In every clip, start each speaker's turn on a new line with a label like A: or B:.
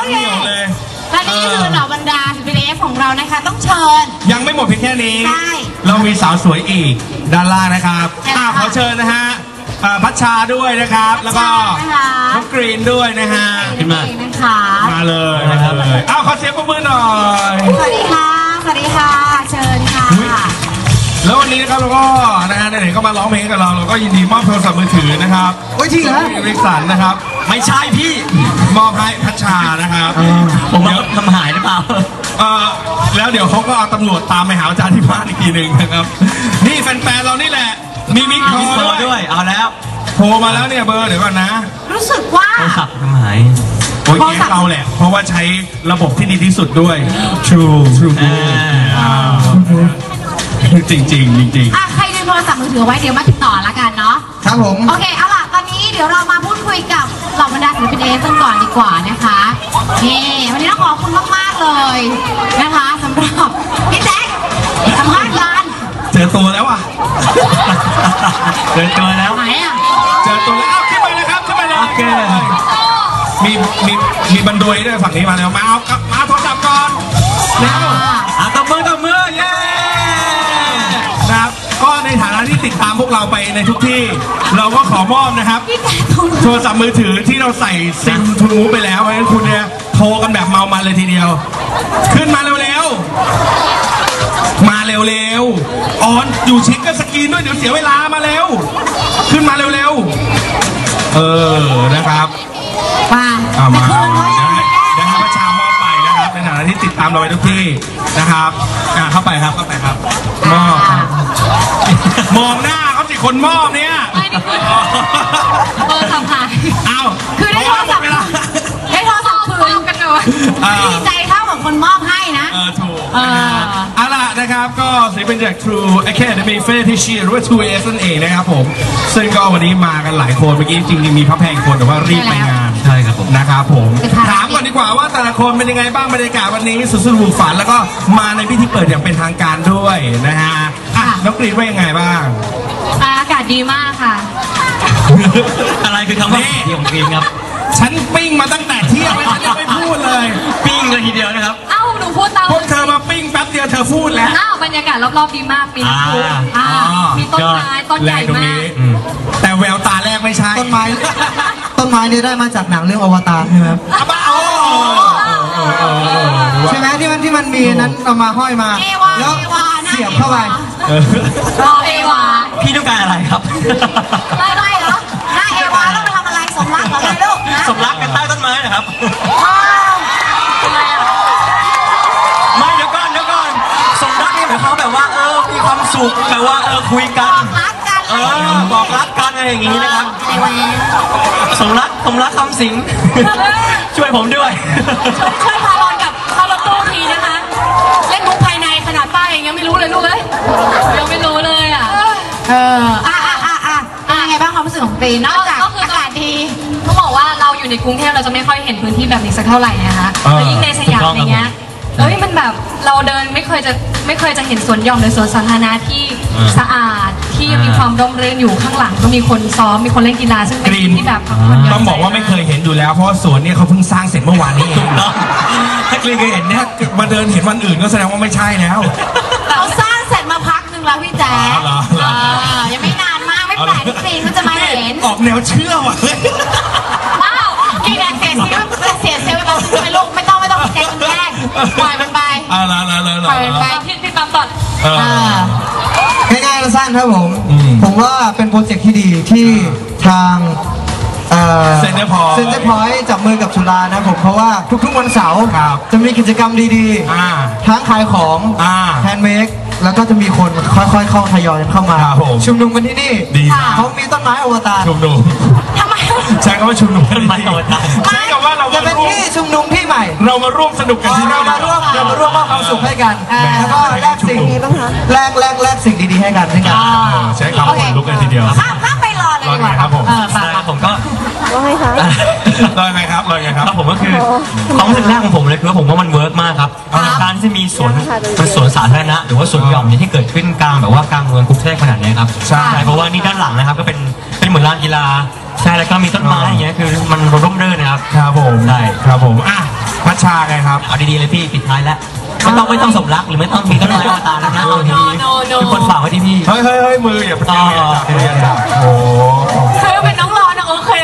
A: เหนียวเลย
B: และนี่คือเหล่าบรรดาศิลปินของเรานะคะต้องเชิญ
A: ยังไม่หมดเพียงแค่นี้เรามีสาวสวยอีกด้านล่างนะครับขอเชิญนะฮะพัชชาด้วยนะครับแล้วก็น้องกรีนด้วยนะฮะขึ้นมามาเลยขอเสียงปรบมือหน่อย
B: สวัสดีค่ะสวัสดีค่ะเชิญค่ะ
A: แล้ววันนี้นะครับเราก็นะฮะไหนๆก็มาร้องเพลงกับเราก็ยินดีมอบโทรศัพท์มือถือนะครับ
C: โอ้ยจริงเหรอ
A: ริกสันนะครับไม่ใช่พี่มอบให้พัชชานะครับ
C: ผมเดี๋ยวทำหายหรือเปล่า
A: แล้วเดี๋ยวเขาก็เอาตำรวจตามไปหาอาจารย์ที่บ้านอีกทีหนึ่งนะครับนี่แฟนๆเรานี่แหละมีมิกโทร
C: ด้วยเอาแล้ว
A: โทรมาแล้วเนี่ยเบอร์เดี๋ยวก่อนนะ
B: รู้สึกว่า
C: โทรศัพท์ทำหาย
A: โอ้ยเราแหละเพราะว่าใช้ระบบที่ดีที่สุดด้วย True จริง
B: ใครลืมโทรศัพท์มือถือไว้เดี๋ยวมาติดต่อละกันเนาะ
C: ครับผม
B: โอเคเอาล่ะตอนนี้เดี๋ยวเรามาพูดคุยกับเหล่าบรรดาศิลปินกันก่อนดีกว่านะคะนี่วันนี้ต้องขอบคุณมากๆเลยนะคะสำหรับพี่แจ๊คสัมภาษณ์กัน
A: เจอตัวแล้วอ่ะ
C: เจอตัวแล้ว
B: ไหนอ่ะ
A: เจอตัวแล้วขึ้นไปเลยครับขึ้นไปเลยโอเคมีบันดวยด้วยฝั่งนี้มาแล้วมาโทรศัพท์ก่อนแล้วตบมือเย้นะครับก็ในฐานะที่ติดตามพวกเราไปในทุกที่เราก็ขอมอบนะครับโทรศัพท์มือถือที่เราใส่ซิมทูมูไปแล้วเพราะฉะนั้นคุณเนี่ยโทรกันแบบเมามันเลยทีเดียวขึ้นมาเร็วมาเร็วออนอยู่เช็คกับสกรีนด้วยเดี๋ยวเสียเวลามาเร็วขึ้นมาเร็วนะครับมาเดี๋ยวให้ประชามอบไปนะครับในฐานะที่ติดตามเราไปทุกที่นะครับเข้าไปครับมอบมองหน้าเขาสิคนมอบเนี่ย
B: เบอร์สัมผัสคือได้โทรศัพท์คืนกันเลยดีใจเท่ากับคนมอบให้นะ
A: ถูกเอาล่ะนะครับก็ศิลปินจาก True Academy Fetish หรือว่า True AS นั่นเองนะครับผมซึ่งก็วันนี้มากันหลายคนเมื่อกี้จริงๆมีพระแพงคนแต่ว่ารีบไปงาน
C: ใช่ครับผม
A: นะครับผมถามก่อนดีกว่าว่าแต่ละคนเป็นยังไงบ้างบรรยากาศวันนี้สุดๆหูฝันแล้วก็มาในพิธีเปิดอย่างเป็นทางการด้วยนะฮะน้องกรีนว่ายังไงบ้าง
B: อากาศดีมากค่ะ
C: อะไรคือคำว่าดีของกรีนครับ
A: ฉันปิ้งมาตั้งแต่เที่ยงแล้วฉันยังไม่พูดเลย
C: ปิ้งเลยทีเดียวนะครับ
B: หนูพูดตาม
A: พวกเธอมาปิ้งแป๊บเดียวเธอพูดแล้ว
B: บรรยากาศรอบๆดีมากมีน้ำพุมีต้นไม้ต้นใหญ่มาก
A: แต่แววตาแรกไม่ใช่
C: ต้นไม้นี่ได้มาจากหนังเรื่องอวตารใช่ไหมใช่ไหมที่มันมีนั้นเอามาห้อยมาแล้วเสียบเข้าไป
B: เอวา
C: พี่ต้องการอะไรครับ
B: ไม่เหรอหน้าเอวาต้องไปทำอะไรสมรักเหรอลูก
C: สมรักกันใต้ต้นไม้นะครับ
B: ทำไมอ่ะ
C: ไม่เดี๋ยวก่อนสมรักนี่หมายความแบบว่ามีความสุขแบบว่าคุยกันบอกรักกันอะไรอย่างงี้นะครับสมรักคำสิงช่วยผมด้วย
B: ช่วยพาลอนกับพารถตู้ทีนะคะเล่นมุกภายในขนาดป้าเองยังไม่รู้เลยลูกยังไม่รู้เลยอ่ะไงบ้างความรู้สึกของกรีนนอกจากอากาศดีต้องบอกว่าเราอยู่ในกรุงเทพเราจะไม่ค่อยเห็นพื้นที่แบบนี้สักเท่าไหร่นะคะแล้วยิ่งในสยามอย่างเงี้ยมันแบบเราเดินไม่เคยจะเห็นสวนหย่อมหรือสวนสาธารณะที่สะอาดที่มีความร่มรื่นอยู่ข้างหลังก็มีคนซ้อมมีคนเล่นกีฬาซึ่งเป็นที่แบบ
A: ต้องบอกว่าไม่เคยเห็นอยู่แล้วเพราะสวนเนี่ยเขาเพิ่งสร้างเสร็จเมื่อวานนี้ถ้ากรีนเคยเห็นเนี่ยมาเดินเห็นวันอื่นก็แสดงว่าไม่ใช่แล้ว
B: เขาสร้างเสร็จมาพักนึงแล้วพี่แจ๊คยังไม่นานมากไม่แปลกที่กรีนก็จะมาเห็น
A: ออกแนวเชื่อว่ะ
B: ว้าวกีแดงเสียเซลล์ไปเป็นลูกไม่ต้องแกงแยกปล่อยมันไปปล่อยมันไปพี่ปั๊มต่อ
C: ง่ายๆสั้นครับผมว่าเป็นโปรเจกต์ที่ดีที่ทาง
A: เซ็นเตอร์
C: พอยต์จับมือกับจุฬานะผมเพราะว่าทุกๆวันเสาร์จะมีกิจกรรมดีๆทั้งขายของแฮนด์เมดแล้วก็จะมีคนค่อยๆเข้าทยอยเข้ามาชุมนุมกันที่นี่เขามีต้นไม้อวตาร
A: ชุมนุม
B: ทำไม
A: ใช่คำว่าชุมนุม
C: ต้นไม้อวตาร
A: ใช่คำว่าเรา
C: จะเป็นที่ชุมนุมที่ใหม่
A: เรามาร่วมสนุกกันที่นี่
C: เรามาร่วมมอบความสุขให้กันแล้วก็แลกสิ่งดีๆให้กัน
A: ใช้คำว่าลุกกันทีเดียว
B: ข้ามไปรอเลยดีกว่า
A: ครับ
C: ผมก็
B: ว่าไงคะ
A: รอไงครับ
C: ผมก็คือความรู้สึกแรกของผมเลยคือผมว่ามันเวิร์กมากครับการที่มีสวนสาธารณะหรือว่าสวนหย่อมที่เกิดขึ้นกลางแบบว่ากลางเมืองกรุงเทพขนาดนี้ครับใช่เพราะว่านี่ด้านหลังนะครับก็เป็นเหมือนลานกีฬาใช่แล้วก็มีต้นไม้อย่างเงี้ยคือมันร่มรื่นนะครับ
A: ครับผม
C: ใช่
A: ครับผมพัชชาไงครับ
C: เอาดีๆเลยพี่ปิดท้ายแล้วไม่ต้องสมรักหรือไม่ต้องมีก็ได้อวตารนะทุกคนฝากไว้ที่พี่
A: เฮ้ยมืออย่าไปจับมืออย่าจับโอ้
B: คือเป็นน้องรอนะโอเค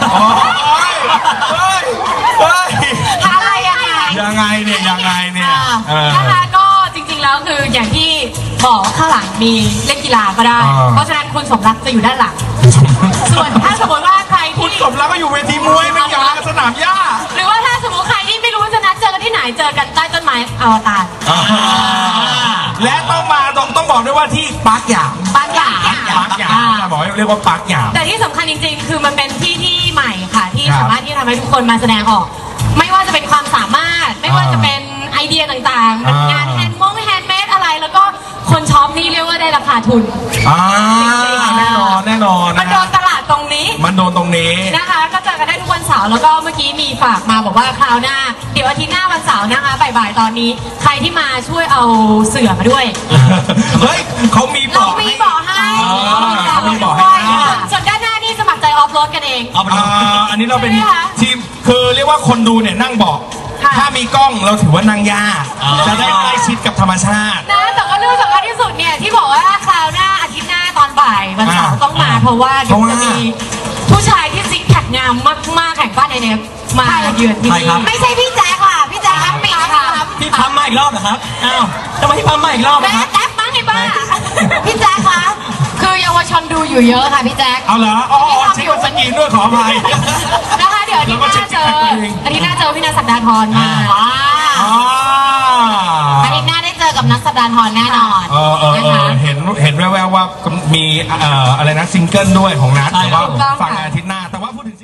B: อะไรยังไง
A: เนี่ย
B: นะคะก็จริงๆแล้วคืออย่างที่บอกข้างหลังมีเล่นกีฬาก็ได้เพราะฉะนั้นคุณสมรักจะอยู่ด้านหลังส่วนถ้าสมมติว่าใคร
A: คุณสมรักก็อยู่เวทีมวยไม่เกี่ยวกับสนามหญ้า
B: หรือว่าถ้าสมมติใครที่ไม่รู้จะนัดเจอกันที่ไหนเจอกันใต้ต้นไม้อวตาร
A: และต้องบอกด้วยว่าที่ปาร์คหยางบอกเรียกว่าปาร์คหยาง
B: แต่ที่สำคัญจริงๆคือมันเป็นที่ใหม่ค่ะที่สามารถที่ทำให้ทุกคนมาแสดงออกไม่ว่าจะเป็นความสามารถไม่ว่าจะเป็นไอเดียต่างๆงานแฮนด์เมดอะไรแล้วก็คนช็อปนี่เรียกว่าได้ราคาทุน
A: แน่นอน
B: มันโดนตลาดตรงนี้นะคะก็เจอกันได้ทุกวันเสาร์แล้วก็เมื่อกี้มีฝากมาบอกว่าคราวหน้าเดี๋ยวอาทิตย์หน้าวันเสาร์นะคะบ่ายๆตอนนี้ใครที่มาช่วยเอาเสื่อมาด้วย
A: เฮ้ยเขามีบอก
B: ให้ส่วนด้านหน้านี่สมัครใจออฟโรดกันเอง
A: อันนี้เราเป็นทีมคือเรียกว่าคนดูเนี่ยนั่งบอกถ้ามีกล้องเราถือว่านั่งยากจะได้ใกล้ชิดกับธรรมชาติ
B: นะแต่ก็เรื่องสำคัญที่สุดเนี่ยที่บอกว่าคราวหน้าอาทิตย์หน้าตอนบ่ายวันเสาร์ต้องมาเพราะว่าเดี๋ยวจะมีผู้ชายที่ซิกแพคงามมากๆแข่งบ้านในเนฟมาเยือนที่นี่ไม่ใช่พี่แจ๊คค่ะพี่แจ๊คครับปีค่ะ
C: พี่พัมมาอีกรอบเหรอครับอ้าวทำไมพี่พัมมาอีกรอบนะครับ
B: แจ๊คมั้งไงบ้าพี่แจ๊คคะคือเยาวชนดูอยู่เยอะค่ะพี่แจ๊ค
A: เอาเหรอเช็คสกินด้วยขออภัย
B: นะคะเดี๋ยวอาทิตย์หน้าเจอพี่นัทสัปดาห์ทรมาอาทิตย์หน้าได้เจอกับนัทสัปดาห์ทรแน่นอน
A: เห็นแววๆว่ามีอะไรนะซิงเกิลด้วยของนัทแต่ว่าฝั่งอาทิตย์หน้าแต่ว่าพูดถึง